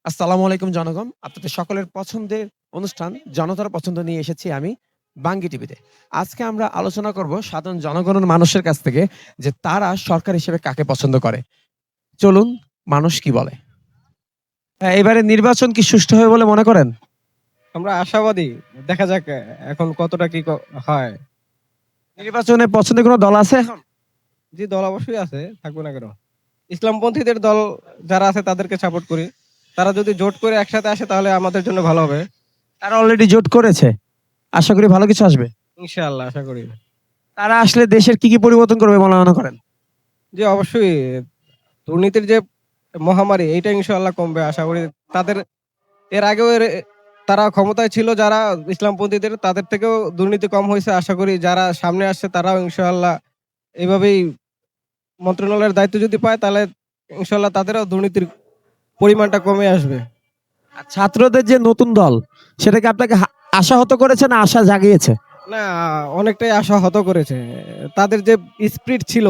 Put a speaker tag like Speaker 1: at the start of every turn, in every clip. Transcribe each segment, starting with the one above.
Speaker 1: আসসালামু আলাইকুম জনগণ। আপনাদের সকলের পছন্দের অনুষ্ঠান জনতার পছন্দ নিয়ে এসেছি আমি বাঙ্গি টিভিতে। আজকে আমরা আলোচনা করব সাধারণ জনগণের মানুষের কাছ থেকে যে তারা সরকার হিসেবে কাকে পছন্দ করে। চলুন মানুষ কি বলে। এবারে নির্বাচন কি সুষ্ঠু হবে বলে মনে করেন?
Speaker 2: আমরা আশাবাদী। দেখা যাক এখন কতটা কি হয়।
Speaker 1: নির্বাচনে পছন্দের কোনো দল আছে এখন?
Speaker 2: জি, দল অবশ্যই আছে, থাকবে না কেন? ইসলামপন্থীদের দল যারা আছে তাদেরকে সাপোর্ট করি। তারা যদি জোট করে একসাথে আসে তাহলে আমাদের জন্য ভালো হবে।
Speaker 1: তারা অলরেডি জোট করেছে। আশা করি ভালো কিছু আসবে।
Speaker 2: ইনশাআল্লাহ আশা করি।
Speaker 1: তারা আসলে দেশের কি পরিবর্তন করবে বলে মনে করেন?
Speaker 2: জি অবশ্যই, দুর্নীতির যে মহামারী এইটা ইনশাআল্লাহ কমবে আশা করি। তাদের এর আগেও তারা ক্ষমতায় ছিল যারা ইসলামপন্থীদের, তাদের থেকেও দুর্নীতি কম হয়েছে। আশা করি যারা সামনে আসছে তারাও ইনশাআল্লাহ এভাবেই মন্ত্রণালয়ের দায়িত্ব যদি পায় তাহলে ইনশাআল্লাহ তাদেরও দুর্নীতির পরিমাণটা কমে আসবে।
Speaker 1: আর ছাত্রদের যে নতুন দল সেটা কি আপনাকে আশাহত করেছে না আশা জাগিয়েছে?
Speaker 2: না, অনেকটাই আশাহত করেছে। তাদের যে স্পিরিট ছিল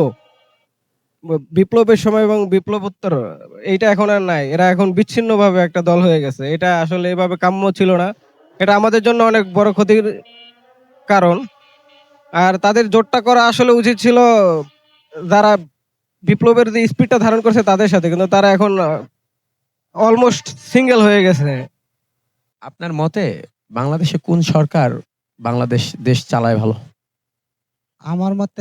Speaker 2: বিপ্লবের সময় এবং বিপ্লবোত্তর, এইটা এখন আর নাই। এরা এখন বিচ্ছিন্নভাবে একটা দল হয়ে গেছে। এটা আসলে এভাবে কাম্য ছিল না। এটা আমাদের জন্য অনেক বড় ক্ষতির কারণ। আর তাদের জোটটা করা আসলে উচিত ছিল যারা বিপ্লবের যে স্পিরিটটা ধারণ করছে তাদের সাথে, কিন্তু তারা এখন অলমোস্ট সিঙ্গেল হয়ে গেছে।
Speaker 1: আপনার মতে বাংলাদেশে কোন সরকার দেশ চালায় ভালো?
Speaker 3: আমার মতে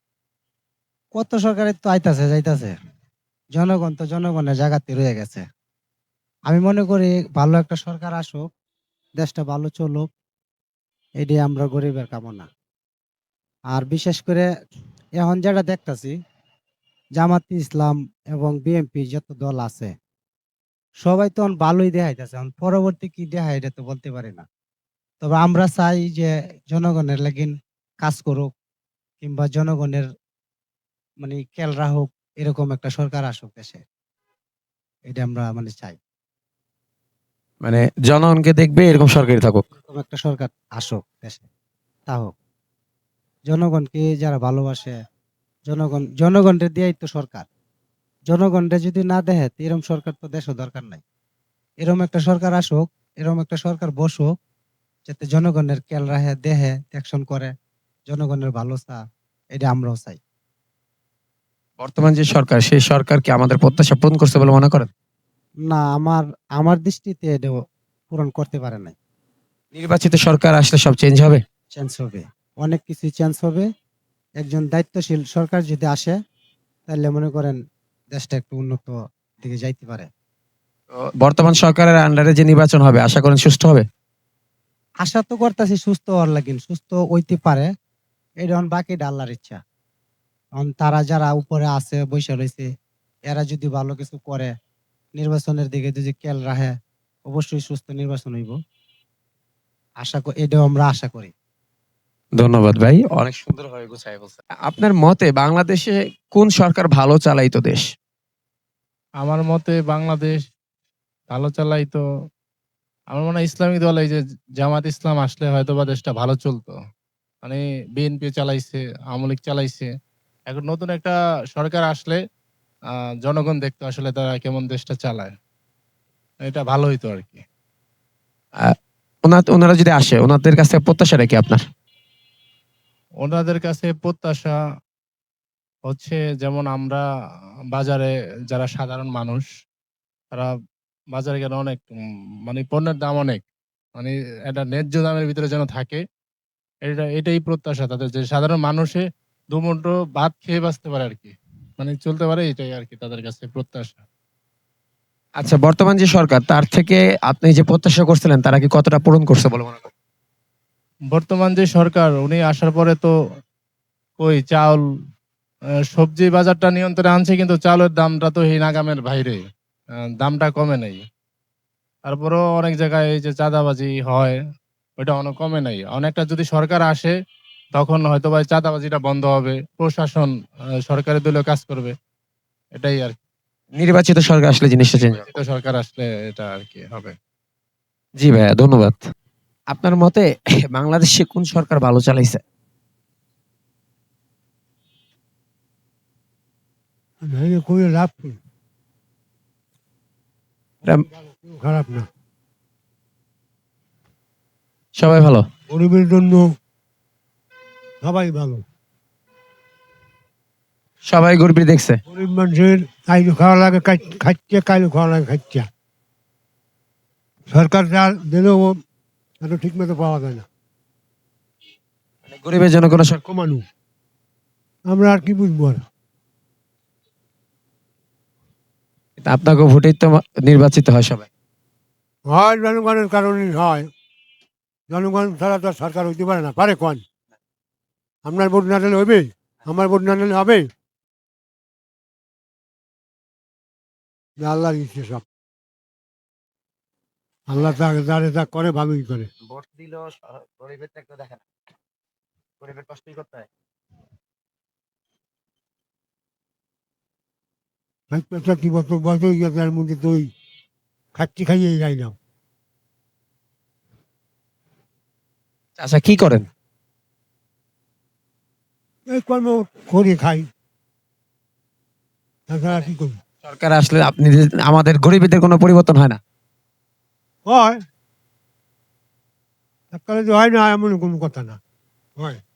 Speaker 3: কত সরকারের তো আইতাছে যাইতাছে, জনগণ তো জনগণের জায়গাতে রয়ে গেছে। আমি মনে করি ভালো একটা সরকার আসুক, দেশটা ভালো চলুক, এটাই আমরা গরিবের কামনা। আর বিশেষ করে এখন যেটা দেখতাছি, জামাতে ইসলাম এবং বিএনপি যত দল আছে সবাই তো এখন ভালোই দেখাইতেছে। এখন পরবর্তী কি দেখায় এটা তো বলতে পারি না। তবে আমরা চাই যে জনগণের লাগিন কাজ করুক, কিংবা জনগণের মানে খেয়াল রাখুক, এরকম একটা সরকার আসুক দেশে। এটা আমরা মানে চাই।
Speaker 1: মানে জনগণকে দেখবে এরকম সরকারি থাকুক।
Speaker 3: এরকম একটা সরকার আসুক দেশে, তা হোক। জনগণকে যারা ভালোবাসে, জনগণের দিয়েই তো সরকার। জনগণরে যদি না দেখে তো এরকম সরকার তো দেশও দরকার নাই। এরকম একটা সরকার আসুক, এরকম একটা সরকার বসুক, যাতে জনগণের খেয়াল রাখে, দেহে অ্যাকশন করে, জনগণের ভালো চা, এটা আমরাও চাই।
Speaker 1: বর্তমান যে সরকার সেই সরকার কি আমাদের প্রত্যাশা পূরণ করছে বলে মনে করেন?
Speaker 3: না, আমার আমার দৃষ্টিতে এটা পূরণ করতে পারে নাই।
Speaker 1: নির্বাচিত সরকার আসলে সব চেঞ্জ হবে?
Speaker 3: চেঞ্জ হবে, অনেক কিছু চেঞ্জ হবে। একজন দায়িত্বশীল সরকার যদি আসে তাহলে মনে করেন দেশটা একটু উন্নত দিকে যাইতে পারে।
Speaker 1: তো বর্তমান সরকারের আন্ডারে যে নির্বাচন হবে আশা করেন সুষ্ঠু হবে?
Speaker 3: আশা তো করতেছি সুস্থ হওয়ার লাগিন, সুস্থ হইতে পারে। এটা এখন বাকি আল্লাহর ইচ্ছা। এখন তারা যারা উপরে আছে বৈশা রয়েছে, এরা যদি ভালো কিছু করে, নির্বাচনের দিকে যদি খেয়াল রাখে, অবশ্যই সুস্থ নির্বাচন হইব। এটাও আমরা আশা করি।
Speaker 1: ধন্যবাদ ভাই, অনেক সুন্দরভাবে গুছাই বলছেন। আপনার মতে বাংলাদেশে কোন সরকার ভালো চালাইতো দেশ?
Speaker 4: আমার মতে বাংলাদেশ ভালো চালাই তো আমার মনে হয় ইসলামিক দল, এই যে জামাত ইসলাম আসলে হয়তো বা দেশটা ভালো চলতো। মানে বিএনপি চালাইছে, আওয়ামী লীগ চালাইছে। এখন নতুন একটা সরকার আসলে জনগণ দেখতো আসলে তারা কেমন দেশটা চালায়। এটা ভালো হইতো আর কি।
Speaker 1: আহ, ওনারা যদি আসে ওনাদের কাছে প্রত্যাশাটা কি আপনার?
Speaker 4: ওনাদের কাছে প্রত্যাশা হচ্ছে, যেমন আমরা বাজারে যারা সাধারণ মানুষ, তারা বাজারে গেলে অনেক মানে পণ্যের দাম অনেক, মানে একটা ন্যায্য দামের ভিতরে যেন থাকে। এটাই প্রত্যাশা তাদের, যে সাধারণ মানুষে দুমুঠো ভাত খেয়ে বাঁচতে পারে আর কি, মানে চলতে পারে, এটাই আর কি তাদের কাছে প্রত্যাশা।
Speaker 1: আচ্ছা, বর্তমান যে সরকার তার থেকে আপনি যে প্রত্যাশা করছিলেন তারা কি কতটা পূরণ করছে বলে মনে করেন?
Speaker 4: বর্তমান যে সরকার উনি আসার পরে তো ওই চাউল, সবজি বাজারটা নিয়ন্ত্রণে আনছে, কিন্তু চাউলের দামটা তো এই নাগামের বাইরে, দামটা কমে নাই। তারপরেও অনেক জায়গায় এই যে চাঁদাবাজি হয়, ওইটা অনেক কমে নাই। অনেকটা যদি সরকার আসে তখন হয়তো বা এই চাঁদাবাজিটা বন্ধ হবে, প্রশাসন সরকারের দলীয় কাজ করবে, এটাই আর কি।
Speaker 1: নির্বাচিত সরকার আসলে জিনিসটা চেঞ্জ হবে।
Speaker 4: নির্বাচিত সরকার আসলে এটা আর কি হবে।
Speaker 1: জি ভাইয়া, ধন্যবাদ। আপনার মতে বাংলাদেশে কোন সরকার ভালো চালাইছে?
Speaker 3: ভেঙে খুবই লাভ কি?
Speaker 1: এটা
Speaker 5: খারাপ না,
Speaker 1: সবাই ভালো।
Speaker 5: গরিবের জন্য সবাই ভালো।
Speaker 1: সবাই গরিব দেখছে।
Speaker 5: গরিব মানুষের কাইলো খাওয়া লাগে খাচ্ছে, কাইলো খাওয়া লাগে খাচ্ছে। সরকার যা দিলেও এত ঠিক মতো পাওয়া যায় না।
Speaker 1: মানে গরিবের জন্য কোনো সরকার।
Speaker 5: কমানো, আমরা আর কি বুঝবো আর।
Speaker 1: আপনাকে ভোটেই তো নির্বাচিত হয় সবাই।
Speaker 5: হয় জনগণের কারণেই হয়, জনগণ ছাড়া তো আর সরকার হইতে পারে না, পারে কোন? আপনার ভোট না দিলে হবে, আমার ভোট না দিলে হবে? আল্লাহর ইচ্ছে সব, আল্লাহ যারে যা করে ভালোই করে।
Speaker 1: ভোট দিলেও গরিবের তো দেখে না, গরিবের কষ্টই করতে হয়।
Speaker 5: কি বছর বয়স হয়ে গেছে, এর মধ্যে তো ওই খাচ্ছি খাইয়ে যাই না।
Speaker 1: আচ্ছা, কি করেন?
Speaker 5: এই কর্ম করে খাই, তাছাড়া কি করি?
Speaker 1: সরকার আসলে আপনি আমাদের গরিবদের কোনো পরিবর্তন হয় না।
Speaker 5: হয়, সরকারে যে হয় না এমন কোনো কথা না, হয়।